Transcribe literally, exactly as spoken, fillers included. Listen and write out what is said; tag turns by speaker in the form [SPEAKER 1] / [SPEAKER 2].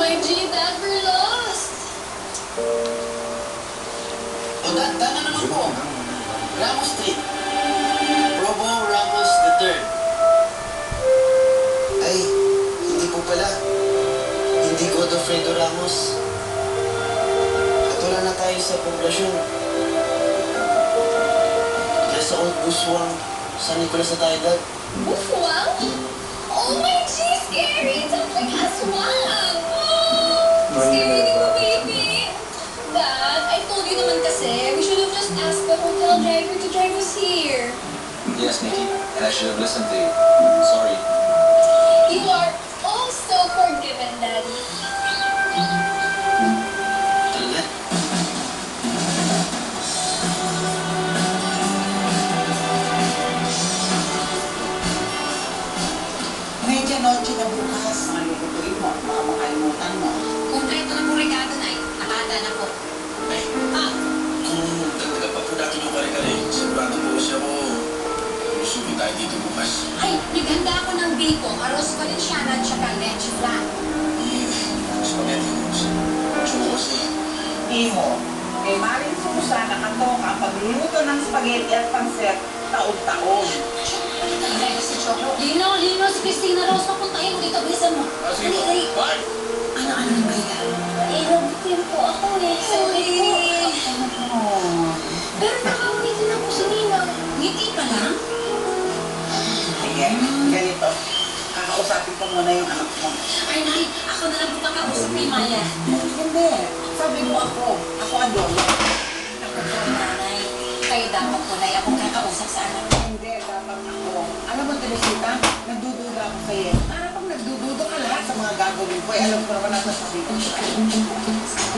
[SPEAKER 1] my G, Dad, we're lost.
[SPEAKER 2] O, da dana naman po. Ramos Street. Provo Ramos the third. Ay, hindi po pala. Hindi Godofredo Ramos. At wala na tayo sa poblasyon. Nasa Old Buswang, San Nicolas na tayo, Dad.
[SPEAKER 1] Wow! Oh my G, scary! Sounds like aswang! Oh, scary di ba, baby? Dad, I told you naman kasi, we should have just asked the hotel driver to drive us here.
[SPEAKER 3] Yes, Nikki, and I should have listened to you. Sorry.
[SPEAKER 1] You are oh so forgiven, Daddy.
[SPEAKER 2] Talaga?
[SPEAKER 4] Medyo noche na bukas. Mga lutuin mo, baka makalimutan mo.
[SPEAKER 5] Kompleto na po regalo na eh. Nakahanda na po.
[SPEAKER 2] Ay,
[SPEAKER 5] Ah,
[SPEAKER 2] kung dagdagan pa po natin yung kare-kare, sigurado po siya ko. Lusugin tayo dito bukas.
[SPEAKER 5] ay, naghanda ako ng bacon, arroz valenciana at saka leche flan.
[SPEAKER 2] Eh, spaghetti ko. Gusto ko kasi.
[SPEAKER 4] Iho, kay Maring Susa nakatoka ang pagluluto ng spaghetti at pansit taon-taon.
[SPEAKER 5] Ay, si Choco. Lino, Lino, si Christina Rose, papuntahin mo dito. Bilisan mo.
[SPEAKER 2] Ah, sige po.
[SPEAKER 5] Dali, dali.
[SPEAKER 2] Bye!
[SPEAKER 5] Ano, ano na ba yan?
[SPEAKER 1] Eh, nabutin po ako eh. Sorry po.
[SPEAKER 4] Oh.
[SPEAKER 1] Pero nakaulitin ako si Ninang.
[SPEAKER 5] Ngiti pa lang?
[SPEAKER 4] Sige, ganito. Kakausapin ko muna yung anak mo.
[SPEAKER 5] Ay, Nay, ako na lang po kakausap ni Maya.
[SPEAKER 4] Hindi. Sabi mo ako. Ako ang lolo.
[SPEAKER 5] Ako po, Nanay. Kayo dapat po, Nay, akong kakausap sa anak mo.
[SPEAKER 4] Hindi, dapat ako. Alam mo, Teresita, nagdududa ako sa'yo. Para pag nagdududa ka lahat sa mga gagawin ko, eh, alam ko naman nasa sabi ko.